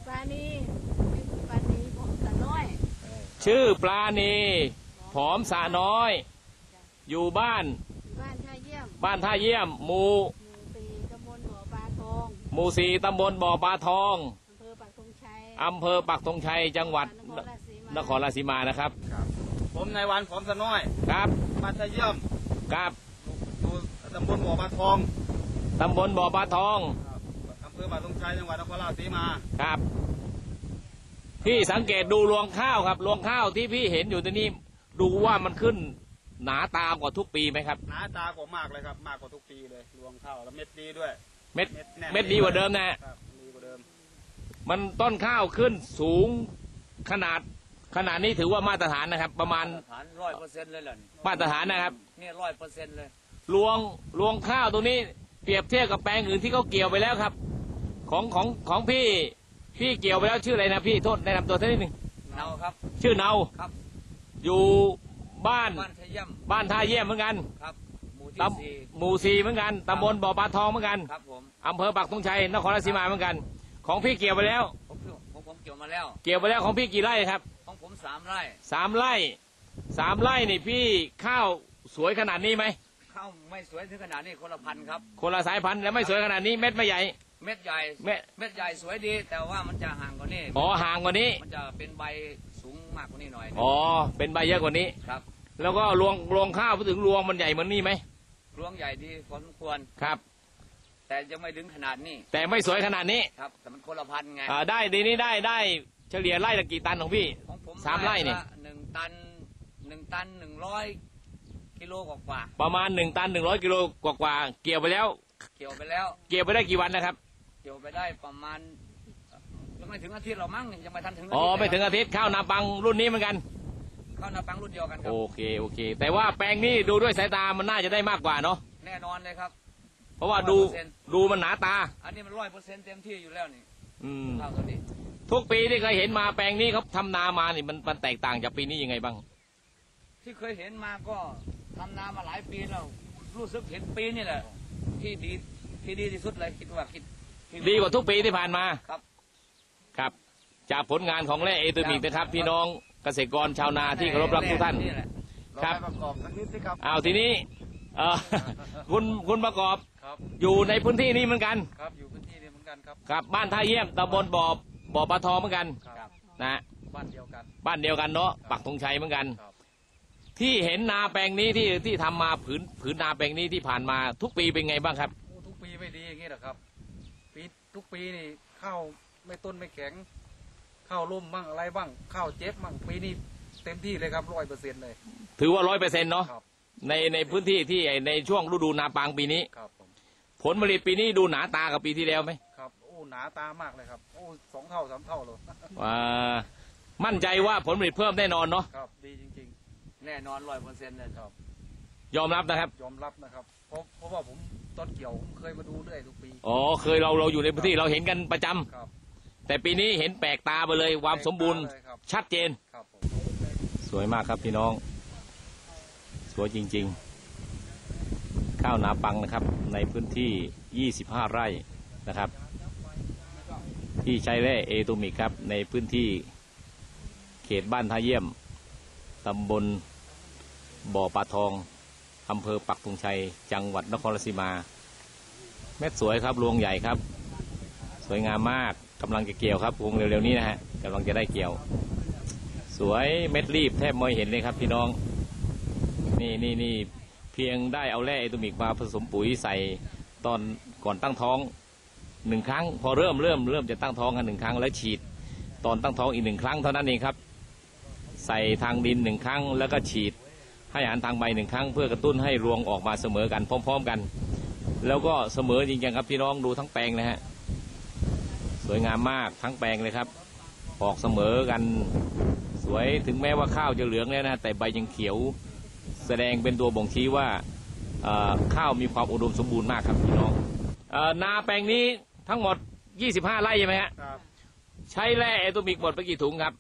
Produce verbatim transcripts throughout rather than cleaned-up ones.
ปลาณีปลาณีผอมสะน้อยชื่อปลาณีผอมสะน้อยอยู่บ้านบ้านท่าเยี่ยมบ้านท่าเยี่ยมหมู่สี่ตำบลบ่อปลาทองหมู่สี่ตำบลบ่อปลาทองอำเภอปักธงชัยอำเภอปักธงชัยจังหวัดนครราชสีมานะครับผมนายวันผอมสะน้อยครับบ้านท่าเยี่ยมครับอยู่ตำบลบ่อปลาทองตำบลบ่อปลาทองอำเภอปักธงชัยจังหวัดนครราชสีมาครับพี่สังเกตดูรวงข้าวครับรวงข้าวที่พี่เห็นอยู่ตรงนี้ดูว่ามันขึ้นหนาตากว่าทุกปีไหมครับหนาตากว่ามากเลยครับมากกว่าทุกปีเลยรวงข้าวแล้วเม็ดดีด้วยเม็ดเม็ดดีกว่าเดิมนะครับดีกว่าเดิมมันต้นข้าวขึ้นสูงขนาดขนาดนี้ถือว่ามาตรฐานนะครับประมาณฐานร้อยเปอร์เซ็นต์เลยเหรอมาตรฐานนะครับนี่ร้อยเปอร์เซ็นต์เลยรวงรวงข้าวตรงนี้เปรียบเทียบกับแปลงอื่นที่เขาเกี่ยวไปแล้วครับของของของพี่พี่เกี่ยวไปแล้วชื่ออะไรนะพี่โทษแนะนำตัวท่านนิดหนึ่งเนาครับชื่อเนาครับอยู่บ้านบ้านท่าเยี่ยมบ้านท่าเยี่ยมเหมือนกันครับหมู่ที่สี่หมู่สี่เหมือนกันตำบลบ่อปลาทองเหมือนกันครับผมอำเภอปักธงชัยนครราชสีมาเหมือนกันของพี่เกี่ยวไปแล้วผมผมผมเกี่ยวมาแล้วเกี่ยวไปแล้วของพี่กี่ไร่ครับของผมสามไร่สามไร่สามไร่นี่พี่ข้าวสวยขนาดนี้ไหมข้าวไม่สวยถึงขนาดนี้คนละพันครับคนละสายพันธุ์แล้วไม่สวยขนาดนี้เม็ดไม่ใหญ่เม็ดใหญ่เม็ดเม็ดใหญ่สวยดีแต่ว่ามันจะห่างกว่านี้อ๋อห่างกว่านี้มันจะเป็นใบสูงมากกว่านี้หน่อยอ๋อเป็นใบเยอะกว่านี้ครับแล้วก็รวงรวงข้าวพูดถึงรวงมันใหญ่เหมือนนี่ไหมรวงใหญ่ดีพอสมควรครับแต่ยังไม่ถึงขนาดนี้แต่ไม่สวยขนาดนี้ครับแต่มันคนละพันไงอ่าได้ดีนี้ได้ได้เฉลี่ยไร่ละกี่ตันของพี่ของผมสามไร่นี่หนึ่งตันหนึ่งตันหนึ่งร้อยกิโลกว่าประมาณหนึ่งตันหนึ่งร้อยกิโลกว่าเกี่ยวไปแล้วเกี่ยวไปแล้วเกี่ยวไปได้กี่วันนะครับเกี่ยวไปได้ประมาณยังไม่ถึงอาทิตย์เรามั้งยังไม่ทันถึงอ๋อไม่ถึงอาทิตย์ข้าวนาปังรุ่นนี้เหมือนกันข้าวนาปังรุ่นเดียวกันครับโอเคโอเคแต่ว่าแปลงนี้ดูด้วยสายตามันน่าจะได้มากกว่าเนาะแน่นอนเลยครับเพราะว่าดูดูมันหนาตาอันนี้มันร้อยเปอร์เซ็นต์เต็มที่อยู่แล้วนี่อืมข้าวตัวนี้ทุกปีที่เคยเห็นมาแปลงนี้เขาทำนามานี่มันมันแตกต่างจากปีนี้ยังไงบ้างที่เคยเห็นมาก็ทำนามาหลายปีแล้วรู้สึกเห็นปีนี่แหละที่ดีที่ดีที่สุดเลยคิดว่าคิดดีกว่าทุกปีที่ผ่านมาครับครับจากผลงานของแร่เอทูมิกนะครับพี่น้องเกษตรกรชาวนาที่เคารพรักทุกท่านครับประกอบสักนิดสิครับอ้าวทีนี้เออคุณคุณประกอบอยู่ในพื้นที่นี้เหมือนกันครับอยู่พื้นที่นี้เหมือนกันครับครับบ้านท่าเยี่ยมตำบลบ่อบ่อปลาทองเหมือนกันนะบ้านเดียวกันบ้านเดียวกันเนาะปักธงชัยเหมือนกันที่เห็นนาแปลงนี้ที่ที่ทำมาผืนผืนนาแปลงนี้ที่ผ่านมาทุกปีเป็นไงบ้างครับทุกปีไม่ดีอย่างนี้หรอครับปีทุกปีนี่ข้าวไม่ต้นไม่แข็งข้าวร่มบ้างอะไรบ้างข้าวเจ็บบ้างปีนี้เต็มที่เลยครับร้อยเปอร์เซ็นต์เลยถือว่าร้อยเปอร์เซ็นต์เนาะในในพื้นที่ที่ในช่วงฤดูนาปังปีนี้ครับผลผลิตปีนี้ดูหนาตากับปีที่แล้วไหมครับโอ้หนาตามากเลยครับโอ้สองเท่าสามเท่าเลยว่ามั่นใจว่าผลผลิตเพิ่มแน่นอนเนาะครับดีจริงๆแน่นอนร้อยเปอร์เซ็นต์เลยครับยอมรับนะครับยอมรับนะครับเพราะเพราะว่าผมตอนเกี่ยวผมเคยมาดูเรื่อยทุกปีอ๋อเคยเราเราอยู่ในพื้นที่เราเห็นกันประจำครับแต่ปีนี้เห็นแปลกตาไปเลยความสมบูรณ์ชัดเจนครับสวยมากครับพี่น้องสวยจริงๆข้าวนาปังนะครับในพื้นที่ยี่สิบห้าไร่นะครับที่ใช้แร่เอทูมิกครับในพื้นที่เขตบ้านท่าเยี่ยมตำบลบ่อปลาทองอำเภอปักธงชัยจังหวัดนครราชสีมาเม็ดสวยครับรวงใหญ่ครับสวยงามมากกำลังจะเกี่ยวครับวงเร็วๆนี้นะฮะกำลังจะได้เกี่ยวสวยเม็ดรีบแทบไม่เห็นเลยครับพี่น้องนี่นี่นี่เพียงได้เอาแร่เอทูมิกมาผสมปุ๋ยใส่ตอนก่อนตั้งท้องหนึ่งครั้งพอเริ่มเริ่มเริ่มจะตั้งท้องกันหนึ่งครั้งแล้วฉีดตอนตั้งท้องอีกหนึ่งครั้งเท่านั้นเองครับใส่ทางดินหนึ่งครั้งแล้วก็ฉีดให้อาหารทางใบหนึ่งครั้งเพื่อกระตุ้นให้รวงออกมาเสมอกันพร้อมๆกันแล้วก็เสมอจริงๆครับพี่น้องดูทั้งแปลงนะฮะสวยงามมากทั้งแปลงเลยครับออกเสมอกันสวยถึงแม้ว่าข้าวจะเหลืองแล้วนะแต่ใบยังเขียวแสดงเป็นตัวบ่งชี้ว่าข้าวมีความอุดมสมบูรณ์มากครับพี่น้องนาแปลงนี้ทั้งหมดยี่สิบห้าไร่ใช่ไหมฮะใช้แร่เอทูมิกหมดไปกี่ถุงครับ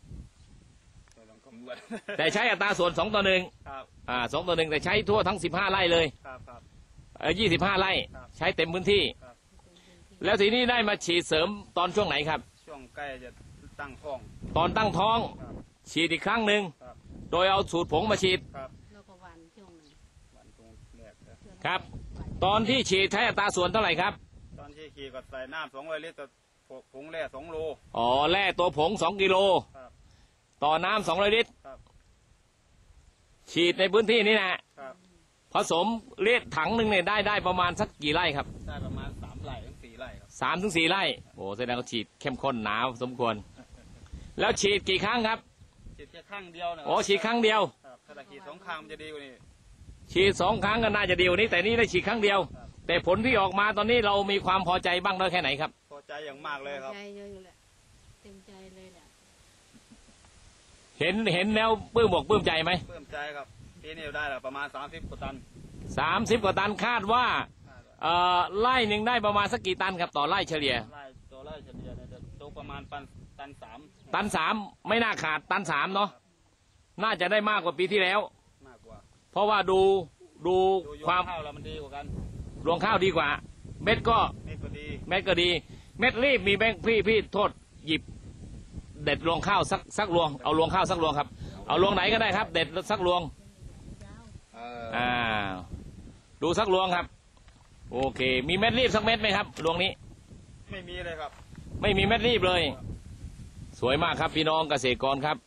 แต่ใช้อัตราส่วนสองต่อหนึ่งอ่าสองต่อหนึ่งแต่ใช้ทั่วทั้งสิบห้าไร่เลยยี่สิบห้าไร่ใช้เต็มพื้นที่แล้วทีนี้ได้มาฉีดเสริมตอนช่วงไหนครับช่วงองใกล้จะตั้งท้องตอนตั้งท้องครับฉีดอีกครั้งหนึ่งครับโดยเอาสูตรผงมาฉีดครับแล้วก็หวันช่วงหนึงวันตรงแรกครับช่วงครับหวานตอนที่ฉีดใช้อัตราส่วนเท่าไหร่ครับตอนที่ขี่ก็ใส่น้ำสองร้อยลิตรผงแร่สองโลอ๋อแร่ตัวผงสองกิโลครับต่อน้ำสองร้อยลิตรครับฉีดในพื้นที่นี้นะครับ ผสมเลียดถังหนึ่งเนี่ยได้ได้ประมาณสักกี่ไร่ครับได้ประมาณสามไร่ถึงสี่ไร่ครับสามถึงสี่ไร่โอ้แสดงว่าฉีดเข้มข้นหนาวสมควร แล้วฉีดกี่ครั้งครับฉีดแค่ข้างเดียวนะโอ้ฉีดครั้งเดียวครับถ้าตะขีดสองข้างมันจะดีกว่านี้ฉีดสองครั้งก็น่าจะดีกว่านี้แต่นี่ได้ฉีดครั้งเดียวครับแต่ผลที่ออกมาตอนนี้เรามีความพอใจบ้างน้อยแค่ไหนครับพอใจอย่างมากเลยครับใจเยอะอยู่แหละเต็มใจเลยแหละเห็นเห็นแล้วปลื้มบอกปลื้มใจไหมเพิ่มใจครับปีนี้ได้แล้วประมาณสามสิบกว่าตันสามสิบกว่าตันคาดว่าเอ่อไร่หนึ่งได้ประมาณสักกี่ตันครับต่อไร่เฉลี่ยไร่ตัวไร่เฉลี่ยเนี่ยจะตกประมาณปันตันสามตันสามไม่น่าขาดตันสามเนาะน่าจะได้มากกว่าปีที่แล้วมากกว่าเพราะว่าดูดูดูยความข้าวแล้วมันดีกว่ากันรวงข้าวดีกว่า เม็ดก็นี่ก็ดีเม็ดก็ดี เม็ดรีบมีแบงค์พี่พี่โทษหยิบ เด็ดรวงข้าวสักสักรวงเอารวงข้าวสักรวงครับเอารวงไหนก็ได้ครับ เด็ดสักรวงเอออ่าดูสักรวงครับ โอเค มีเม็ดรีบสักเม็ดไหมครับรวงนี้ไม่มีเลยครับไม่มีเม็ดรีบเลย สวยมากครับพี่น้องเกษตรกรครับ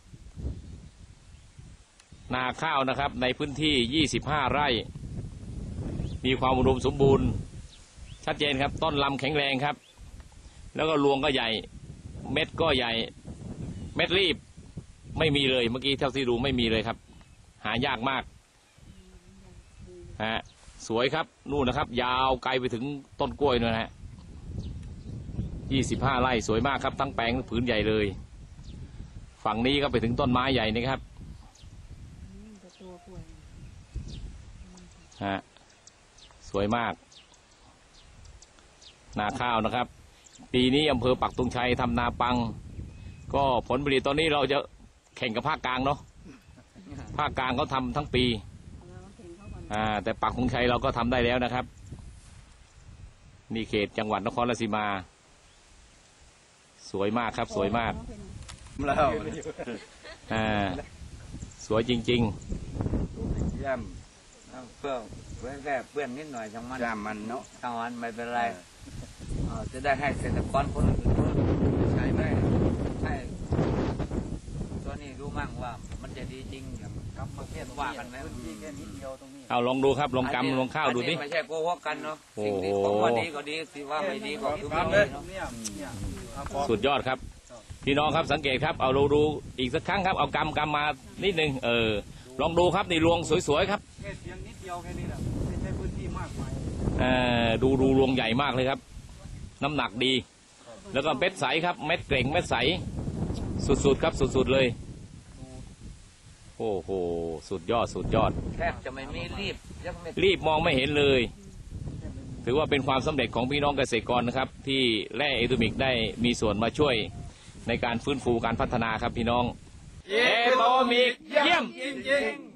นาข้าวนะครับ ในพื้นที่ยี่สิบห้าไร่ มีความอุดมสมบูรณ์ ชัดเจนครับ ต้นลำแข็งแรงครับ แล้วก็รวงก็ใหญ่ เม็ดก็ใหญ่ เม็ดรีบ ไม่มีเลยเมื่อกี้เท่าที่ดูไม่มีเลยครับ หายากมากฮะสวยครับนู่นนะครับ ยาวไกลไปถึงต้นกล้วยนู่นนะฮะยี่สิบห้าไร่สวยมากครับทั้งแปลงผืนใหญ่เลย ฝั่งนี้ก็ไปถึงต้นไม้ใหญ่นะครับอืมแต่ตัวป่วยฮะสวยมาก นาข้าวนะครับ ปีนี้อำเภอปักธงชัยทำนาปัง ก็ผลผลิตตอนนี้เราจะแข่งกับภาคกลางเนาะภาคกลางเขาทำทั้งปีเราเห็นเขาก่อนอ่าแต่ปักธงชัยเราก็ทำได้แล้วนะครับ นี่เขตจังหวัดนครราชสีมา สวยมากครับ สวยมากแล้วอ่าสวยจริงย่ำเอาเพื่อเพื่อแค่เปื้อนนิดหน่อยช่างมันยามมันเนาะช่างมันไม่เป็นไรเอ่อจะได้ให้เกษตรกรคนอื่นใช้ได้ให้ตัวนี้รู้มั่งว่ามันจะดีจริงอย่างกับประเทศว่ากันไหมที่แค่นิดเดียวตรงนี้ๆ เอาลองดูครับลองกำลองข้าวดูดิอันนี้ไม่ใช่โกหกกันเนาะโอ้สิ่งโหที่ผมว่าดีก็ดีสิว่าไม่ดีก็คือไม่เลดียเนาะเนี่ยเนี่ยเอาของสุดยอดครับ พี่น้องครับสังเกตครับเอาเราดูอีกสักครั้งครับเอากำกำมานิดนึงเออลองดูครับนี่รวงสวยๆครับแค่เพียงนิดเดียวแค่นี้แหละไม่ใช่พื้นที่มากมายเออดูดูรวงใหญ่มากเลยครับ น้ำหนักดี แล้วก็เม็ดใสครับ เม็ดเกร่งเม็ดใส สุดๆครับสุดๆเลย โอ้โหสุดยอดสุดยอดแทบจะไม่มีรีบยังไม่รีบมองไม่เห็นเลย ถือว่าเป็นความสำเร็จของพี่น้องเกษตรกรนะครับ ที่แร่เอทูมิกได้มีส่วนมาช่วยในการฟื้นฟูการพัฒนาครับพี่น้องเอโตมิกเยี่ยมจริงๆ